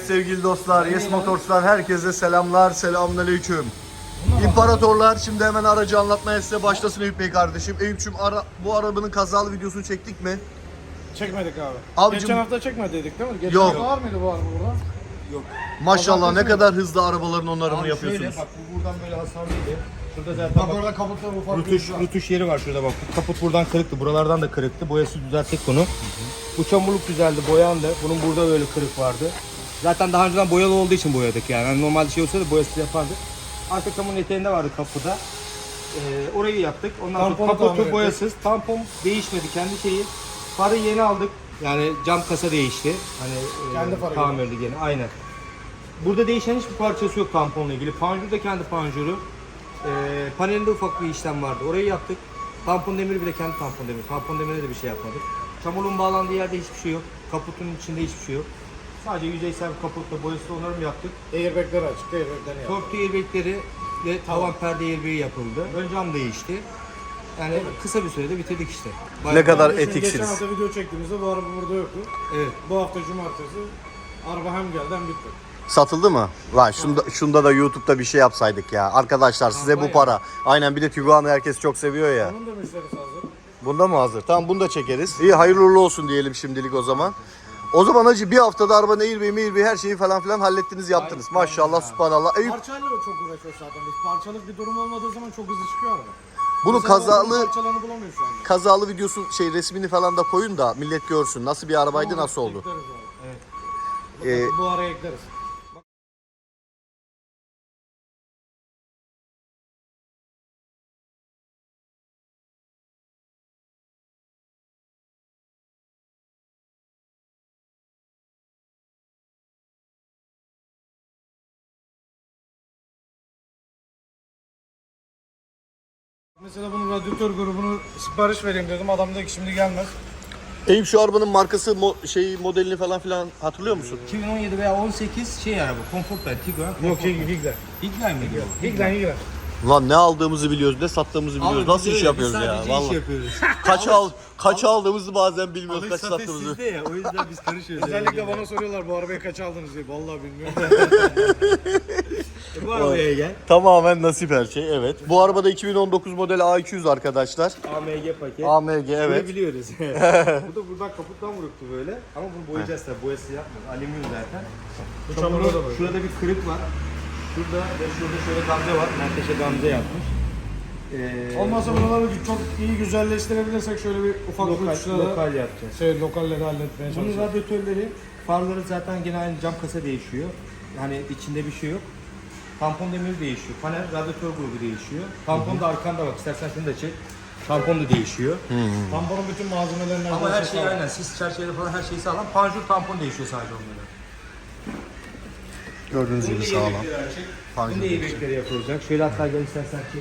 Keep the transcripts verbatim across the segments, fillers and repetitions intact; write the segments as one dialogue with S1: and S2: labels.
S1: sevgili dostlar, Yes Motors'tan herkese selamlar, selamünaleyküm. İmparatorlar, şimdi hemen aracı anlatmaya size başlasın Eyüp Bey kardeşim. Eyüp'cüm ara, bu arabanın kazalı videosunu çektik mi?
S2: Çekmedik abi.
S1: Abicim,
S2: Geçen hafta çekmedik değil mi? Geçen
S1: yok.
S2: hafta var mıydı bu araba burada?
S3: Yok.
S1: Maşallah ne kadar hızlı arabaların onarımını
S3: Abi
S1: yapıyorsunuz.
S3: şöyle bak, bu buradan böyle hasarlıydı. Şurada zaten
S2: Bak
S3: bak,
S2: orada kaputta ufak
S3: rutuş,
S2: bir var.
S3: rutuş yeri var şurada bak. Bu kaput buradan kırıktı. Buralardan da kırıktı. Boyası düzelttik bunu. Bu çamurluk güzeldi, boyandı. Bunun burada böyle kırık vardı. Zaten daha önceden boyalı olduğu için boyadık yani. yani normalde şey olsaydı boyası yapardık. Arka camın eteğinde vardı kapıda. Ee, orayı yaptık. Ondan
S2: Tamponu
S3: sonra
S2: tamir
S3: kaputu
S2: ettik.
S3: boyasız. Tampon değişmedi kendi şeyi. Farı yeni aldık. Yani cam kasa değişti. Hani
S2: Kendi
S3: e,
S2: farı
S3: tamirli gene. Aynen. Burada değişen hiçbir parçası yok tamponla ilgili. Panjur da kendi panjuru. Ee, panelinde ufak bir işlem vardı. Orayı yaptık. Tampon demiri bile kendi tampon demiri. Tampon demirine de bir şey yapmadık. Çamurun bağlandığı yerde hiçbir şey yok. Kaputun içinde hiçbir şey yok. Sadece yüzeysel bir kaputla boyasız onarım yaptık.
S2: Airbag'ler açık, airbag'ler yaptık.
S3: Torpido airbagleri ve tavan perde airbag'i yapıldı. Ön cam değişti. Yani kısa bir sürede bitirdik işte.
S1: Ne kadar
S2: Şimdi Geçen
S1: etiksiniz.
S2: hafta video çektiğimizde bu araba burada yoktu.
S3: Evet.
S2: Bu hafta cumartesi araba hem geldi hem bitti.
S1: Satıldı mı? Lan şunda, şunda da YouTube'da bir şey yapsaydık ya. Arkadaşlar size bu para. Aynen, bir de Tiguan'ı herkes çok seviyor ya.
S2: Onun da müşterisi hazır.
S1: Bunda mı hazır? Tamam, bunu da çekeriz. İyi, hayırlı uğurlu olsun diyelim şimdilik o zaman. O zaman hacı bir haftada arabanın airbag'i mairbag'i her şeyi falan filan hallettiniz, yaptınız.
S3: Aynen,
S1: Maşallah,
S3: aynen.
S1: subhanallah. Eyüp,
S2: Parçayla da çok uğraşıyoruz zaten biz. Parçalık bir durum olmadığı zaman çok hızlı çıkıyor araba.
S1: bunu
S2: Mesela
S1: kazalı
S2: bunun parçalarını bulamıyor şu anda.
S1: kazalı videosu şey resmini falan da koyun da millet görsün. Nasıl bir arabaydı, nasıl oldu?
S2: Ekleriz abi.
S3: Evet.
S1: Ee,
S2: Bu araya ekleriz. Mesela bunun radyatör grubunu sipariş vereyim dedim. Adam dedi ki şimdi gelmez.
S1: Eyüp, şu arabanın markası, mo- şeyi, modelini falan filan hatırlıyor musun?
S3: iki bin on yedi veya on sekiz şey araba. Comfortline, Tiguan.
S2: Yok Higler.
S3: Higler miydi bu?
S2: Higler Higler.
S1: Lan ne aldığımızı biliyoruz, ne sattığımızı biliyoruz.
S3: Abi
S1: Nasıl
S3: biz
S1: iş
S3: öyle,
S1: yapıyoruz
S3: biz
S1: ya?
S3: sadece
S1: Vallahi.
S3: iş yapıyoruz.
S1: Kaç al kaç aldığımızı bazen bilmiyoruz,
S3: Alış
S1: kaç
S3: satış
S1: sattığımızı.
S3: sizde ya. O yüzden biz karışıyoruz.
S2: Özellikle bana soruyorlar bu arabayı kaç aldınız diye. Vallahi bilmiyorum.
S3: Bu arabaya gel.
S1: Tamamen nasip her şey, evet. Bu arabada iki bin on dokuz model A iki yüz arkadaşlar.
S3: A M G paket.
S1: A M G,
S3: Bunu
S1: evet.
S3: biliyoruz. Burada buradan kaputtan vuruktu böyle. Ama bunu boyayacağız tabii. Boyası yapmıyoruz. Alüminyum zaten.
S2: Bu çamurda da böyle.
S3: Şurada bir kırık var. Şurada ve şurada şöyle gamze var. Menteşe gamze yapmış. Ee,
S2: Olmazsa buraları çok iyi güzelleştirebilirsek şöyle bir ufak
S3: lokal,
S2: uçlara
S3: lokal yapacağız.
S2: şey, lokalleri halletmeye
S3: Bunun
S2: çalışıyoruz.
S3: radyatörleri, farları zaten gene aynı cam kasa değişiyor. Yani içinde bir şey yok. Tampon demiri değişiyor. Panel radyatör grubu değişiyor. Tampon da arkanda bak. İstersen şunu da çek. Tampon da değişiyor.
S2: Tamponun bütün malzemelerinden
S3: Ama her şey aynen. Sis çerçeveleri falan her şeyi sağlam. Panjur tampon değişiyor sadece onlara.
S1: Gördüğünüz gibi sağlam.
S3: Bunun da iyi bekleri yapılacak. Şöyle hatta gel istersen ki.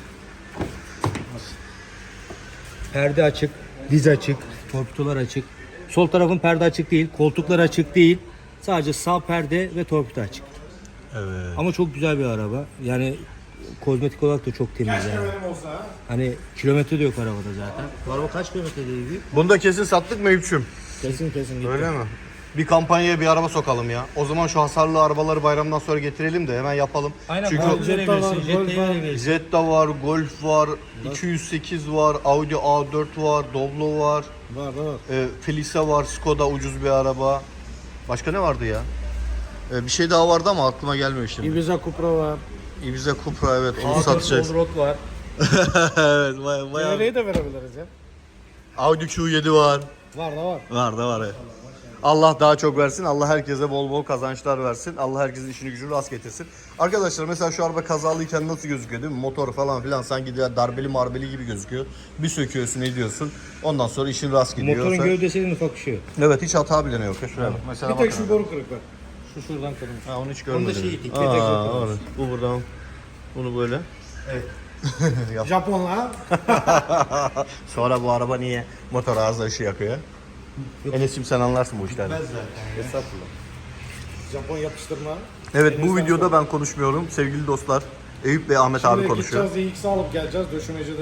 S3: Perde açık, diz açık, torpidolar açık. Sol tarafın perde açık değil, koltuklar açık değil. Sadece sağ perde ve torpido açık.
S1: Evet.
S3: Ama çok güzel bir araba. Yani kozmetik olarak da çok temiz
S2: Keşke
S3: yani.
S2: benim olsa ha.
S3: Hani kilometre de yok arabada zaten. Bu araba kaç kilometre değil?
S1: Bunu da kesin sattık mı Eyüp'cüm?
S3: Kesin kesin gitti.
S1: Öyle mi? Bir kampanyaya bir araba sokalım ya. O zaman şu hasarlı arabaları bayramdan sonra getirelim de hemen yapalım.
S3: Aynen.
S1: Çünkü
S3: Golf
S2: Jetta var,
S3: verebilirsin,
S2: Golf
S3: Jetta'yı
S2: var.
S3: verebilirsin.
S1: Jetta var, Golf var, iki yüz sekiz var, Audi A dört var, Doblo var,
S2: Var var.
S1: e, Felicia var, Skoda ucuz bir araba. Başka ne vardı ya? E, bir şey daha vardı ama aklıma gelmiyor şimdi.
S2: Ibiza Cupra var.
S1: Ibiza Cupra, evet, onu
S3: A dört
S1: satacağız.
S3: Allroad var.
S1: Evet, baya, baya.
S2: Diğeriyi de verebiliriz ya.
S1: Audi Q yedi var.
S2: Var da var.
S1: Var da var, evet. Allah daha çok versin. Allah herkese bol bol kazançlar versin. Allah herkesin işini gücünü rast getirsin. Arkadaşlar mesela şu araba kazalıyken nasıl gözüküyor değil mi? Motor falan filan sanki de darbeli marbeli gibi gözüküyor. Bir söküyorsun, ediyorsun. Ondan sonra işin rast gidiyor.
S3: Motorun
S1: Sen-
S3: gövdesinin ufak ışığı.
S1: Evet, hiç hata bile yok. Ya şuraya bak. Mesela
S2: Bir tek
S1: bakın.
S2: şu boru kırık var. Şu şuradan kırılmış.
S1: Ha, onu hiç
S3: Onu da
S1: görmedim.
S3: şey itik,
S1: Aa,
S3: petek yapıyoruz.
S1: evet. Bu buradan. Bunu böyle.
S3: Evet.
S2: Japonla ha.
S1: Sonra bu araba niye motor ağzı ışığı yakıyor? Enes'cim sen anlarsın bu işlerden.
S3: Ben zaten.
S1: Estağfurullah.
S2: Japon yapıştırma.
S1: Evet, bu
S2: Enes'ten
S1: videoda
S2: sonra.
S1: ben konuşmuyorum. Sevgili dostlar, Eyüp ve Ahmet
S2: Şimdi
S1: abi konuşuyor.
S2: gideceğiz, X'i alıp geleceğiz döşemecide.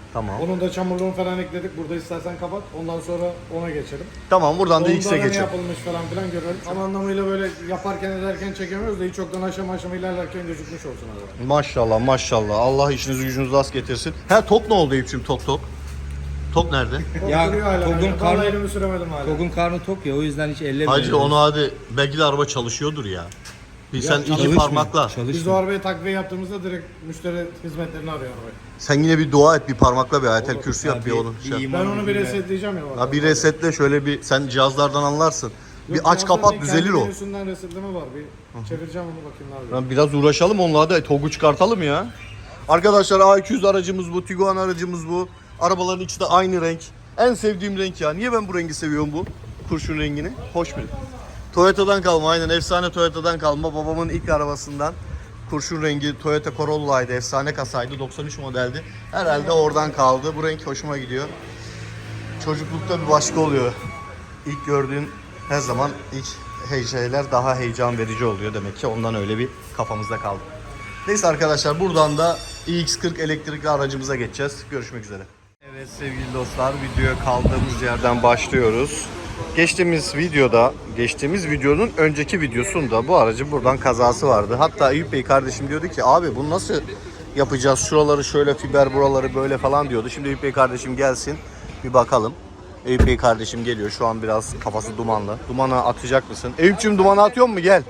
S1: Tamam.
S2: Onun da çamurluğunu falan ekledik. Burada istersen kapat. Ondan sonra ona geçelim.
S1: Tamam buradan da
S2: Onda
S1: X'e
S2: ne
S1: geçelim.
S2: yapılmış falan filan görelim. Tam anlamıyla böyle yaparken ederken çekemiyoruz da hiç çoktan aşama aşama ilerlerken gözükmüş olsun araba.
S1: Maşallah maşallah. Allah işinizi gücünüzü rast getirsin. He tok ne oldu Eyüp'cüğüm tok tok? Tok nerede?
S3: Ya,
S2: Korkuyor hala.
S3: Togun
S2: Vallahi
S3: karnı-
S2: elimi süremedim hala.
S3: Togun karnı tok ya o yüzden hiç ellemiyorum.
S1: Hacı onu hadi belki de araba çalışıyordur ya. Bir sen iki
S3: Çalışmıyor,
S1: parmakla.
S2: Biz o
S3: Çalışmıyor.
S2: arabayı takviye yaptığımızda direkt müşteri hizmetlerini arıyor arabayı.
S1: Sen yine bir dua et bir parmakla bir ayetel kürsü yap bir
S3: Abi,
S1: onu. Şey. yap.
S2: Ben onu bir resetleyeceğim ya.
S1: Ha bir resetle şöyle bir sen cihazlardan anlarsın. Bir aç kapat düzelir o.
S2: Menüsünden resetleme var. Bir çevireceğim onu bakayım ne yapıyor.
S1: Lan biraz uğraşalım onunla hadi togu çıkartalım ya. Arkadaşlar A iki yüz aracımız bu, Tiguan aracımız bu. Arabaların ikisi de aynı renk. En sevdiğim renk ya. Niye ben bu rengi seviyorum bu? Kurşun rengini. Hoş bir. Toyota'dan kalma aynen efsane Toyota'dan kalma. Babamın ilk arabasından kurşun rengi Toyota Corolla'ydı. Efsane kasaydı. doksan üç modeldi. Herhalde oradan kaldı. Bu renk hoşuma gidiyor. Çocuklukta bir başka oluyor. İlk gördüğün her zaman ilk hey şeyler daha heyecan verici oluyor demek ki ondan öyle bir kafamızda kaldı. Neyse arkadaşlar buradan da i x kırk elektrikli aracımıza geçeceğiz. Görüşmek üzere. Evet sevgili dostlar videoya kaldığımız yerden başlıyoruz. Geçtiğimiz videoda, geçtiğimiz videonun önceki videosunda bu aracın buradan kazası vardı. Hatta Eyüp Bey kardeşim diyordu ki abi bunu nasıl yapacağız? Şuraları şöyle fiber buraları böyle falan diyordu. Şimdi Eyüp Bey kardeşim gelsin bir bakalım. Eyüp Bey kardeşim geliyor. Şu an biraz kafası dumanlı. Dumana atacak mısın? Eyüp'cüğüm dumana atıyor mu? Gel.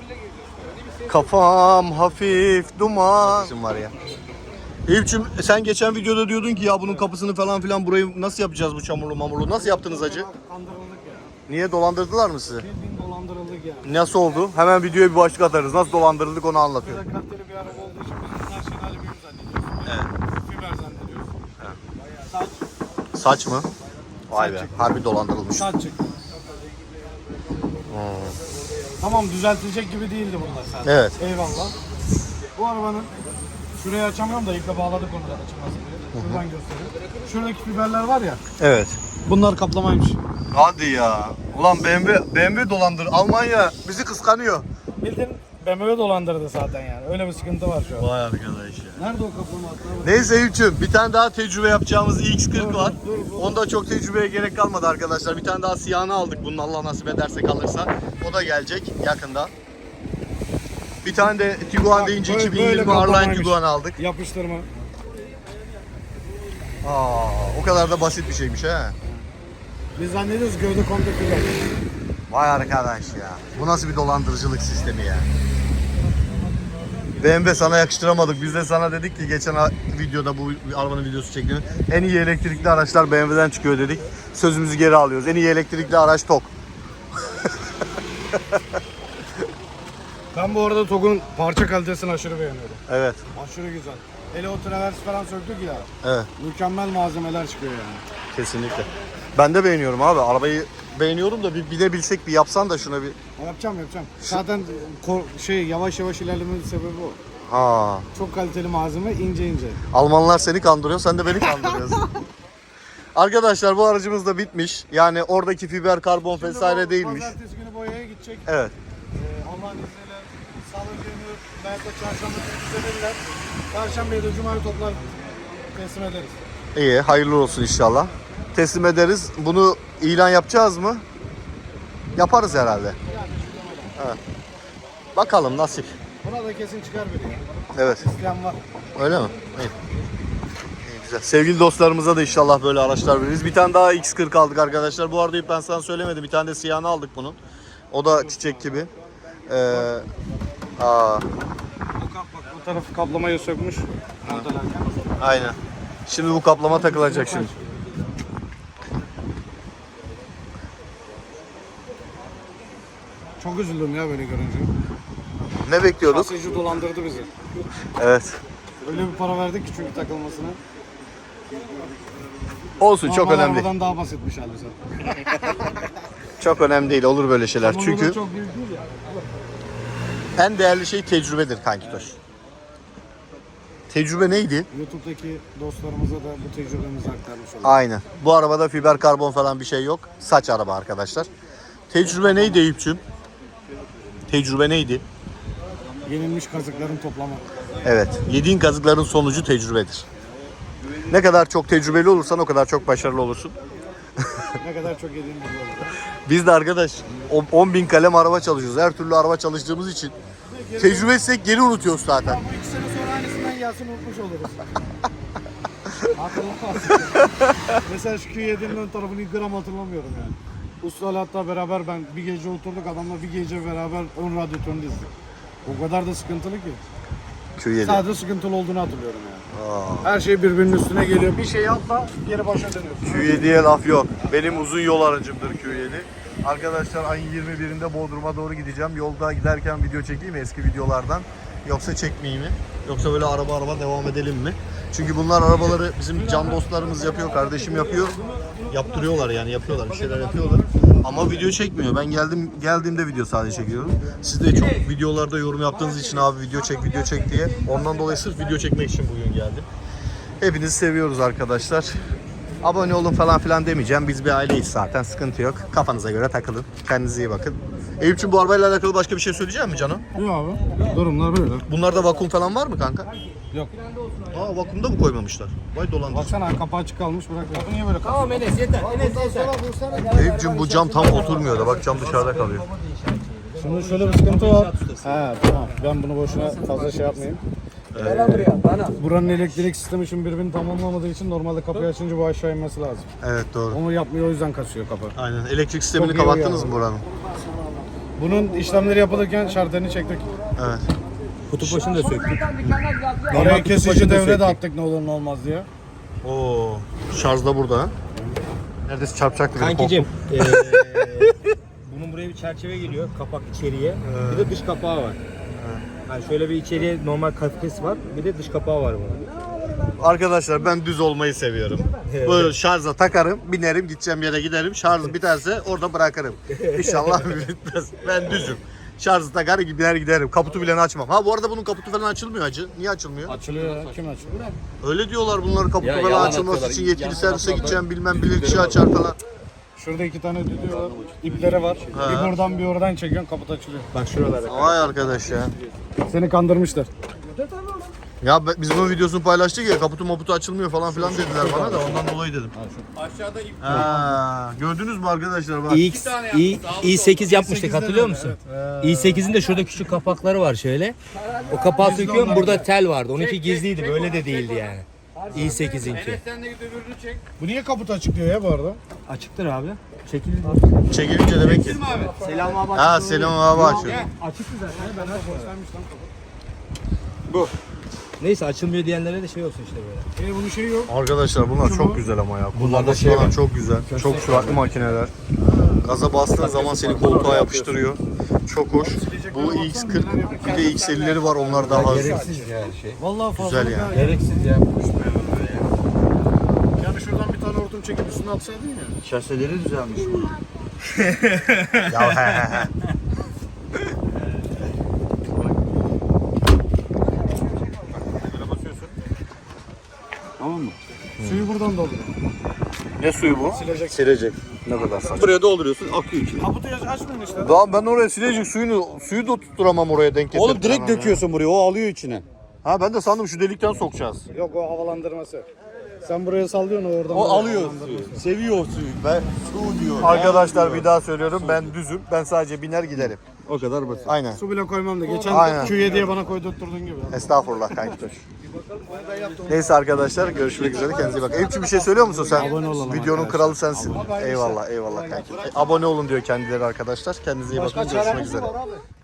S1: Kafam hafif duman. Bizim var ya. Eyüp'cüğüm sen geçen videoda diyordun ki ya bunun kapısını falan filan burayı nasıl yapacağız bu çamurlu mamurlu? Nasıl yaptınız hacı?
S2: Kandırıldık ya.
S1: Niye dolandırdılar mı sizi?
S2: Bildiğin dolandırıldık ya.
S1: Nasıl oldu? Hemen videoya bir başlık atarız. Nasıl dolandırıldık onu anlatıyor.
S2: Böyle kaliteli bir araba olduğu için biz orijinal albüm zannediyoruz.
S1: Evet.
S2: Fiber zannediyoruz. Saç,
S1: Saç mı? Vay be.
S2: Saç.
S1: Harbi dolandırılmış.
S2: saç çıktı. Tamam düzeltilecek gibi değildi bunlar zaten.
S1: Evet.
S2: Eyvallah. Bu arabanın şurayı açamıyorum da iple bağladık onu da açılmasın diye. Şuradan göstereyim. Şuradaki fiberler var ya.
S1: Evet.
S2: Bunlar kaplamaymış.
S1: Hadi ya. Ulan B M W, B M W dolandır. Almanya bizi kıskanıyor.
S2: Bildiğin B M W dolandırdı zaten yani. Öyle bir sıkıntı var şu an.
S1: Vay arkadaş ya.
S2: Nerede o kaplama hatta?
S1: Neyse Eyüp'cüğüm bir tane daha tecrübe yapacağımız i x kırk var. Onda çok tecrübeye gerek kalmadı arkadaşlar. Bir tane daha siyahını aldık bunun Allah nasip ederse kalırsa. O da gelecek yakında. Bir tane de Tiguan deyince
S2: Böyle-
S1: iki bin yirmi
S2: böyle
S1: Arline
S2: kaplamaymış.
S1: Tiguan aldık.
S2: Yapıştırma.
S1: Aa, o kadar da basit bir şeymiş he.
S2: Biz zannediyoruz gövde komple fiber.
S1: Vay arkadaş ya. Bu nasıl bir dolandırıcılık sistemi ya. B M W sana yakıştıramadık. Biz de sana dedik ki geçen videoda bu arabanın videosu çektiğimiz en iyi elektrikli araçlar B M W'den çıkıyor dedik. Sözümüzü geri alıyoruz. En iyi elektrikli araç Tok.
S2: Ben bu arada TOG'un parça kalitesini aşırı beğeniyorum.
S1: Evet.
S2: Aşırı güzel. Hele o travers falan söktük ya.
S1: Evet.
S2: Mükemmel malzemeler çıkıyor yani.
S1: Kesinlikle. Ben de beğeniyorum abi. Arabayı beğeniyorum da bir bilebilsek bir yapsan da şuna bir.
S2: Yapacağım yapacağım. Zaten ko- şey yavaş yavaş ilerlemenin sebebi o.
S1: Ha.
S2: Çok kaliteli malzeme ince ince.
S1: Almanlar seni kandırıyor, sen de beni kandırıyorsun. Arkadaşlar bu aracımız da bitmiş. Yani oradaki fiber karbon vesaire değilmiş.
S2: Pazartesi günü boyaya gidecek.
S1: Evet.
S2: Ee, Allah'ın izniyle salı günü belki de çarşamba günü düzenirler. Perşembeyi de cumayı toplar teslim ederiz.
S1: İyi, hayırlı olsun inşallah. Teslim ederiz. Bunu ilan yapacağız mı? Yaparız herhalde. Evet. Bakalım nasip.
S2: Buna da kesin çıkar biri ya.
S1: Evet.
S2: İsteyen var.
S1: Öyle mi? İyi. İyi, güzel. Sevgili dostlarımıza da inşallah böyle araçlar veririz. Bir tane daha X kırk aldık arkadaşlar. Bu arada ben sana söylemedim. Bir tane de siyahını aldık bunun. O da çiçek gibi. Ee, aa,
S2: Bu tarafı kaplamayı sökmüş. Montelerken.
S1: aynen. Şimdi bu kaplama takılacak şimdi.
S2: Çok üzüldüm ya böyle görünce.
S1: Ne bekliyorduk?
S2: Kasayıcı dolandırdı bizi.
S1: Evet.
S2: Öyle bir para verdik ki çünkü takılmasına.
S1: Olsun çok
S2: Normal
S1: önemli değil.
S2: arabadan daha basitmiş halbuki.
S1: Çok önemli değil. Olur böyle şeyler.
S2: Ama bu da
S1: Çünkü
S2: çok büyük değil ya.
S1: en değerli şey tecrübedir kanki Toş. Tecrübe neydi?
S2: YouTube'daki dostlarımıza da bu tecrübemizi aktarmış olalım.
S1: Aynen. Bu arabada fiber karbon falan bir şey yok. Saç araba arkadaşlar. Tecrübe neydi Eyüp'cüğüm? Tecrübe neydi?
S2: Yenilmiş kazıkların toplamı.
S1: Evet. Yediğin kazıkların sonucu tecrübedir. Ne kadar çok tecrübeli olursan o kadar çok başarılı olursun.
S2: Ne kadar çok yediğim belli olur.
S1: Biz de arkadaş on bin kalem araba çalışıyoruz. Her türlü araba çalıştığımız için tecrübe etsek geri unutuyoruz zaten.
S2: Bu iki sene sonra aynısından gelsin unutmuş oluruz. Mesela şu Q yedi'nin ön tarafını gram hatırlamıyorum yani. Usta'yla hatta beraber ben bir gece oturduk adamla bir gece beraber on radyatörünü dizdik. O kadar da sıkıntılı ki.
S1: Q yedi.
S2: Sadece sıkıntılı olduğunu hatırlıyorum yani. Her şey birbirinin üstüne geliyor. Bir şey atla geri başa dönüyorsun.
S1: Q yedi'ye laf yok. Benim uzun yol aracımdır Q yedi. Arkadaşlar ayın yirmi birinde Bodrum'a doğru gideceğim. Yolda giderken video çekeyim mi eski videolardan? Yoksa çekmeyeyim mi? Yoksa böyle araba araba devam edelim mi? Çünkü bunlar arabaları bizim can dostlarımız yapıyor, kardeşim yapıyor. Yaptırıyorlar yani yapıyorlar, bir şeyler yapıyorlar. Ama video çekmiyor. Ben geldim geldiğimde video sadece çekiyorum. Siz de çok videolarda yorum yaptığınız için abi video çek, video çek diye. Ondan dolayı sırf video çekmek için bugün geldim. Hepinizi seviyoruz arkadaşlar. Abone olun falan filan demeyeceğim. Biz bir aileyiz zaten. Sıkıntı yok. Kafanıza göre takılın. Kendinize iyi bakın. Eyüp'cüğüm bu arabayla alakalı başka bir şey söyleyecek misin Cano?
S2: Yok abi. Durumlar böyle.
S1: Bunlarda vakum falan var mı kanka?
S2: Yok.
S1: Aa vakumda mı koymamışlar? Vay dolandırıcı.
S2: Baksana kapağı açık kalmış bırak. Kapı niye böyle kalmış?
S3: Tamam Enes yeter. Enes yeter.
S1: Eyüp'cüğüm bu cam tam oturmuyor da bak cam dışarıda kalıyor.
S2: Şimdi şöyle bir sıkıntı var. He tamam. Ben bunu boşuna fazla şey yapmayayım. Buranın elektrik sistemi için birbirini tamamlamadığı için normalde kapıyı açınca bu aşağı inmesi lazım.
S1: Evet doğru.
S2: Onu yapmıyor o yüzden kasıyor kapı.
S1: Aynen. Elektrik sistemini
S2: Çok iyi
S1: kapattınız
S2: yani.
S1: mı buranın?
S2: Bunun işlemleri yapılırken şartlarını çektik.
S1: Evet.
S3: Kutup başını da söktük.
S2: Oraya kesici
S3: başını
S2: devre de
S3: söktük.
S2: attık ne olur ne olmaz diye.
S1: Oo. Şarj da burada. Ha? Neredeyse çarpacaktı beni.
S3: Kankicim,
S1: korktum.
S3: eee bunun buraya bir çerçeve geliyor, kapak içeriye. Bir de dış kapağı var. Yani şöyle bir içeriye normal kafes var, bir de dış kapağı var bunun.
S1: Arkadaşlar ben düz olmayı seviyorum. Böyle şarja takarım, binerim, gideceğim yere giderim. Şarj biterse orada bırakırım. İnşallah bitmez. Ben düzüm. Şarjı takar gider giderim. Kaputu bile açmam. Ha bu arada bunun kaputu falan açılmıyor hacı. Niye açılmıyor?
S2: Açılıyor ya. Kim açılıyor?
S1: Öyle diyorlar bunların kaputu
S4: Ya,
S1: falan
S4: yalan
S1: açılması
S4: atıyorlar.
S1: için yetkili
S4: Yan
S1: servise
S4: taraflarda
S1: gideceğim bilmem bilir kişi açar falan.
S2: Şurada iki tane düdüğü var. İpleri var.
S1: Ha.
S2: Bir buradan bir oradan çekiyorsun kaput açılıyor.
S3: Bak şuralarda.
S1: Vay arkadaş ya.
S2: Seni kandırmışlar.
S1: Ya be- biz bunun videosunu paylaştık ya kaputu maputu açılmıyor falan filan dediler bana da ondan dolayı dedim.
S4: Aşağıda ip
S1: Ha, gördünüz mü arkadaşlar bak.
S3: i, i, i sekiz yapmıştık hatırlıyor musun? i sekizin de şurada küçük kapakları var şöyle. O kapağı söküyorum burada tel vardı. Onunki gizliydi böyle de değildi yani. i sekizinki.
S4: sen de git öbürünü çek.
S2: Bu niye kaput açıklıyor ya bu arada?
S3: Açıktır abi. Çekildi.
S1: Çekilince demek ki.
S3: Selam abi.
S1: Ha Selam abi açıyor.
S3: Açıktı zaten. Ben açmadım. Bu. Neyse açılmıyor diyenlere de şey olsun işte böyle.
S2: E bunun şeyi yok.
S1: Arkadaşlar bunlar çok güzel ama ya. Bunlarda
S3: şey
S1: falan
S3: var.
S1: çok güzel. Çok süratli makineler. Gaza bastığın zaman seni koltuğa yapıştırıyor. Çok hoş. Bu X kırk bir de X ellileri var onlar daha hızlı.
S3: Gereksiz yani şey.
S2: Vallahi fazla.
S1: Güzel yani.
S3: Gereksiz ya.
S2: Yani şuradan bir tane hortum çekip üstüne atsaydın ya.
S3: Şaseleri düzelmiş bu.
S1: Ya he he he.
S2: Tamam mı? Suyu buradan doldur.
S1: Ne suyu bu?
S2: Silecek.
S1: Silecek. Ne kadar saçma. Buraya dolduruyorsun akıyor içine.
S2: Kaputu açmayın işte.
S1: Daha ben oraya silecek suyunu suyu da tutturamam oraya denk getirip.
S4: Oğlum direkt döküyorsun buraya, o alıyor içine.
S1: Ha ben de sandım şu delikten sokacağız.
S2: Yok o havalandırması. Sen buraya sallıyorsun o oradan.
S4: O
S2: buraya
S4: alıyor
S2: havalandırması.
S4: suyu. Seviyor o suyu. Ben su diyor.
S1: Arkadaşlar bir daha söylüyorum ben düzüm. Ben sadece biner giderim.
S4: O kadar basit.
S1: Aynen.
S2: Su bile koymam da. Geçen
S1: Aynen.
S2: Q yediye bana koydurtturduğun gibi.
S1: Estağfurullah kanki. Neyse arkadaşlar görüşmek üzere kendinize iyi bakın. Eyüpçü bir şey söylüyor musun sen?
S2: Abone olalım
S1: Videonun kralı sensin. Eyvallah eyvallah kanki. E, abone olun diyor kendileri arkadaşlar. Kendinize iyi bakın görüşmek üzere.